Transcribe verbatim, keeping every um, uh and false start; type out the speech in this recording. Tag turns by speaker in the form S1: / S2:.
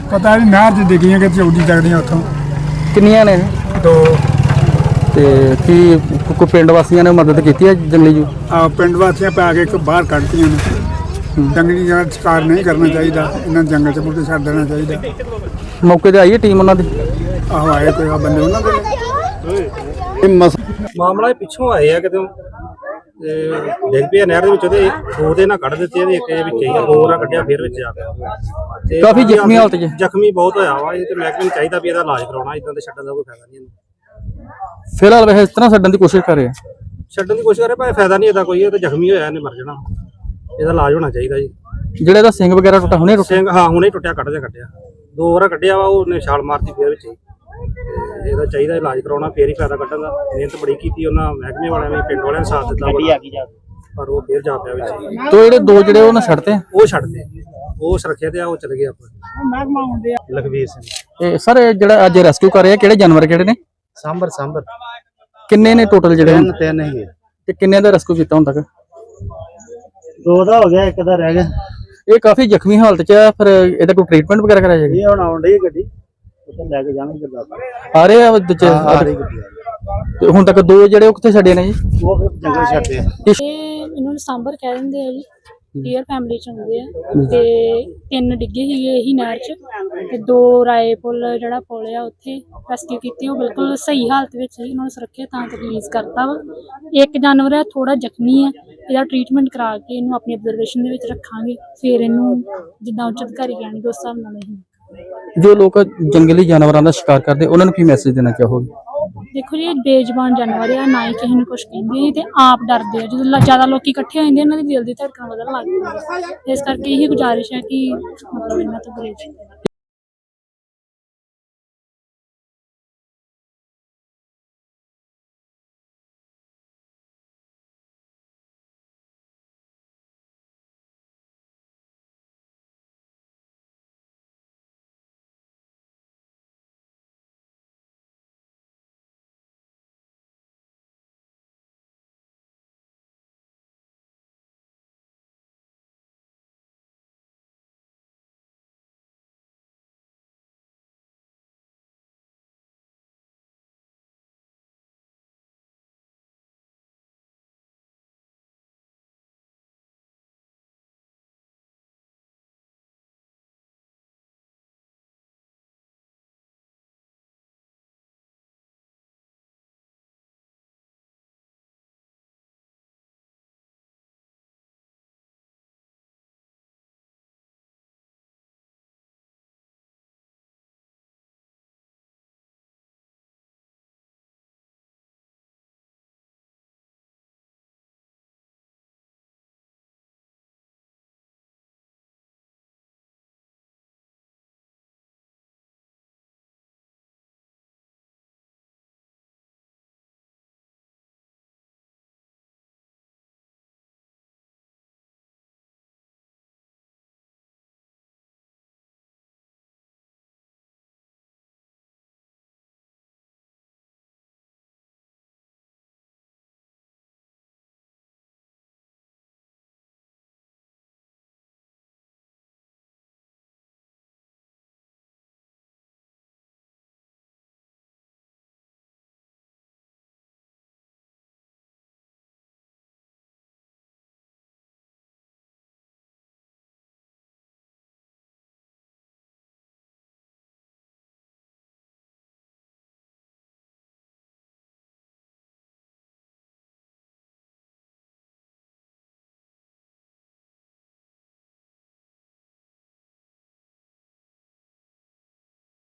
S1: पता नहीं नहर च डिग्गियां कि चौड़ी तगड़ियां उतों
S2: ਕਿੰਨੀਆਂ ਨੇ
S1: दो
S2: ਤੇ ਕੀ ਕੋਈ ਪਿੰਡ ਵਾਸੀਆਂ ਨੇ ਮਦਦ ਕੀਤੀ ਹੈ ਜੰਗਲੀ ਜੂ
S1: आ पिंड वासियां पै के एक बाहर कढ़तियां ने जंगली जानवर शिकार नहीं करना चाहिए इन्हें जंगल च मुड़ के छड्ड देना चाहिए
S2: ਮੌਕੇ ਤੇ ਆਈ ਹੈ ਟੀਮ ਉਹਨਾਂ ਦੀ
S1: आहो आए कोई आ बंदे उन्होंने
S3: ਮਾਮਲਾ ਇਹ ਪਿੱਛੋਂ ਆਏ ਆ ਕਿਤੇ ਤੇ ਡਿੱਗ ਪਿਆ ਨਹਿਰ ਦੇ ਵਿੱਚ ਉਹਦੇ ਦੋ ਦੇ ਨਾਲ ਕੱਢ ਦਿੱਤੇ ਇਹਦੇ ਇੱਕ ਵਿੱਚ ਹੀ ਦੋ ਨਾਲ ਕੱਢਿਆ ਫਿਰ ਵਿੱਚ ਆ ਗਿਆ ਤੇ
S2: ਕਾਫੀ ਜ਼ਖਮੀ ਹਾਲਤ 'ਚ
S3: ਜ਼ਖਮੀ ਬਹੁਤ ਹੋਇਆ ਵਾ ਇਹ ਤੇ ਮਹਿਕਮੇ ਨੂੰ ਚਾਹੀਦਾ ਵੀ ਇਹਦਾ ਇਲਾਜ ਕਰਾਉਣਾ ਇਦਾਂ ਤੇ ਛੱਡਣ ਦਾ ਕੋਈ ਫਾਇਦਾ ਨਹੀਂ ਇਹਨੂੰ
S2: ਫਿਲਹਾਲ ਵੈਸੇ ਇਸ ਤਰ੍ਹਾਂ ਛੱਡਣ ਦੀ ਕੋਸ਼ਿਸ਼ ਕਰ ਰਹੇ ਆ
S3: ਛੱਡਣ ਦੀ ਕੋਸ਼ਿਸ਼ ਕਰੇ ਪਰ ਫਾਇਦਾ ਨਹੀਂ ਇਹਦਾ ਕੋਈ ਇਹ ਤੇ ਜ਼ਖਮੀ ਹੋਇਆ ਇਹਨੇ ਮਰ ਜਾਣਾ ਇਹਦਾ ਇਲਾਜ ਹੋਣਾ ਚਾਹੀਦਾ ਜੀ
S2: ਜਿਹੜਾ ਇਹਦਾ ਸਿੰਘ ਵਗੈਰਾ ਟੁੱਟਾ ਹੁਣੇ ਟੁੱਟਿਆ
S3: ਸਿੰਘ ਹਾਂ ਹੁਣੇ ਟੁੱਟਿਆ ਕੱਢ ਦੇ ਕੱਢਿਆ ਦੋ ਵਾਰ ਕੱਢਿਆ ਵਾ ਉਹਨੇ ਛਾਲ ਮਾਰਤੀ ਫਿਰ ਵਿੱਚ ਹੀ ਤੇ ਇਹਦਾ ਚਾਹੀਦਾ ਇਲਾਜ ਕਰਾਉਣਾ ਫੇਰ ਹੀ ਫਾਇਦਾ ਕੱਢਣ ਦਾ ਮਿਹਨਤ ਬੜੀ ਕੀਤੀ ਉਹਨਾਂ ਮਹਿਕਮੇ ਵਾਲਿਆਂ ਨੇ ਪਿੰਡ ਵਾਲਿਆਂ ਨੇ ਸਾਥ ਦਿੱਤਾ ਪਰ ਉਹ ਫੇਰ ਜਾ ਪਿਆ ਵਿੱਚ
S2: ਤੋ ਜਿਹੜੇ ਦੋ ਜਿਹੜੇ ਉਹਨਾਂ ਛੱਡਤੇ
S3: ਉਹ ਛੱਡਦੇ ਉਹ ਸੁਰੱਖਿਆ ਤੇ ਆ ਉਹ ਚਲੇ ਗਏ ਆਪਾਂ ਲਖਵੀਰ ਸਿੰਘ
S2: ਤੇ ਸਰ ਜਿਹੜਾ ਅੱਜ ਰੈਸਕਿਊ ਕਰ ਰਹੇ ਆ ਕਿਹੜੇ ਜਾਨਵਰ ਕਿਹੜੇ ਨੇ
S3: ਸਾਂਬਰ ਸਾਂਬਰ
S2: ਕਿੰਨੇ ਨੇ ਟੋਟਲ ਜਿਹੜੇ
S3: ਤਿੰਨ ਤਿੰਨ ਹੀ
S2: ਤੇ ਕਿੰਨੇ ਦਾ ਰੈਸਕਿਊ ਕੀਤਾ ਹੁਣ ਤੱਕ
S3: ਦੋ ਦਾ ਹੋ ਗਿਆ ਇੱਕ ਦਾ ਰਹਿ ਗਿਆ
S2: ਇਹ ਕਾਫੀ ਜ਼ਖਮੀ ਹਾਲਤ 'ਚ ਆ ਫਿਰ ਇਹਦਾ ਕੋਈ ਟ੍ਰੀਟਮੈਂਟ ਵਗੈਰਾ ਕਰਾਇਆ ਜਾਏਗਾ
S3: ਇਹ ਹੁਣ ਆਉਣ ਡਈ ਗੱਡੀ ਉੱਥੇ ਲੈ ਕੇ ਜਾਣਗੇ ਗੁਰਦਾਸਪੁਰ
S2: ਆ ਰਹੇ ਆ ਦੂਜੇ
S3: ਆ ਰਹੀ ਗੱਡੀ
S2: ਤੇ ਹੁਣ ਤੱਕ ਦੋ ਜਿਹੜੇ ਉਹ ਕਿੱਥੇ ਛੱਡੇ ਨੇ ਜੀ
S3: ਉਹ ਫਿਰ ਜੰਗਲ ਛੱਡਦੇ ਆ
S4: ਇਹ ਇਹਨਾਂ ਨੂੰ ਸਾਂਬਰ ਕਹਿ ਦਿੰਦੇ ਆ ਜੀ ਡੀਅਰ ਫੈਮਿਲੀ ਚ ਹੁੰਦੇ ਆ ਤੇ ਤਿੰਨ ਡਿੱਗੇ ਸੀਗੇ ਇਹੀ ਨਹਿਰ ਚ ਤੇ ਦੋ ਰਾਏ ਪੁੱਲ ਜਿਹੜਾ ਪੁੱਲ ਆ ਉੱਥੇ ਰੈਸਕਿਊ ਕੀਤੀ ਉਹ ਬਿਲਕੁਲ ਸਹੀ ਹਾਲਤ ਵਿੱਚ ਸੀ ਉਹਨਾਂ ਨੂੰ ਸੁਰੱਖਿਅਤ ਥਾਂ ਤੇ ਰਿਲੀਜ਼ ਕਰਤਾ ਵਾ ਇੱਕ ਜਾਨਵਰ ਆ ਥੋੜਾ ਜ਼ਖਮੀ ਆ ਇਹਦਾ ਟ੍ਰੀਟਮੈਂਟ ਕਰਾ ਕੇ ਇਹਨੂੰ ਆਪਣੀ ਅਬਜ਼ਰਵੇਸ਼ਨ ਦੇ ਵਿੱਚ ਰੱਖਾਂਗੇ ਫਿਰ ਇਹਨੂੰ ਜਿੱਦਾਂ ਉੱਚ ਅਧਿਕਾਰੀ ਕਹਿਣਗੇ ਉਸ ਹਿਸਾਬ ਨਾਲ ਅਸੀਂ
S2: ਜੋ ਲੋਕ ਜੰਗਲੀ ਜਾਨਵਰਾਂ ਦਾ ਸ਼ਿਕਾਰ ਕਰਦੇ ਉਹਨਾਂ ਨੂੰ ਕੀ ਮੈਸੇਜ ਦੇਣਾ ਚਾਹੋਗੇ
S4: ਦੇਖੋ ਜੀ ਇਹ ਬੇਜ਼ੁਬਾਨ ਜਾਨਵਰ ਆ ਨਾ ਹੀ ਕਿਸੇ ਨੂੰ ਕੁਝ ਕਹਿੰਦੇ ਤੇ ਆਪ ਡਰਦੇ ਆ ਜਦੋਂ ਜ਼ਿਆਦਾ ਲੋਕੀ ਇਕੱਠੇ ਹੋ ਜਾਂਦੇ ਇਹਨਾਂ ਦੀ ਦਿਲ ਦੀ ਧੜਕਣ ਵਧਣ ਲੱਗ ਜਾਂਦੀ ਹੈ ਇਸ ਕਰਕੇ ਇਹੀ ਗੁਜ਼ਾਰਿਸ਼ ਹੈ ਕਿ ਮਤਲਬ ਇਹਨਾਂ ਤੋਂ ਗੁਰੇਜ਼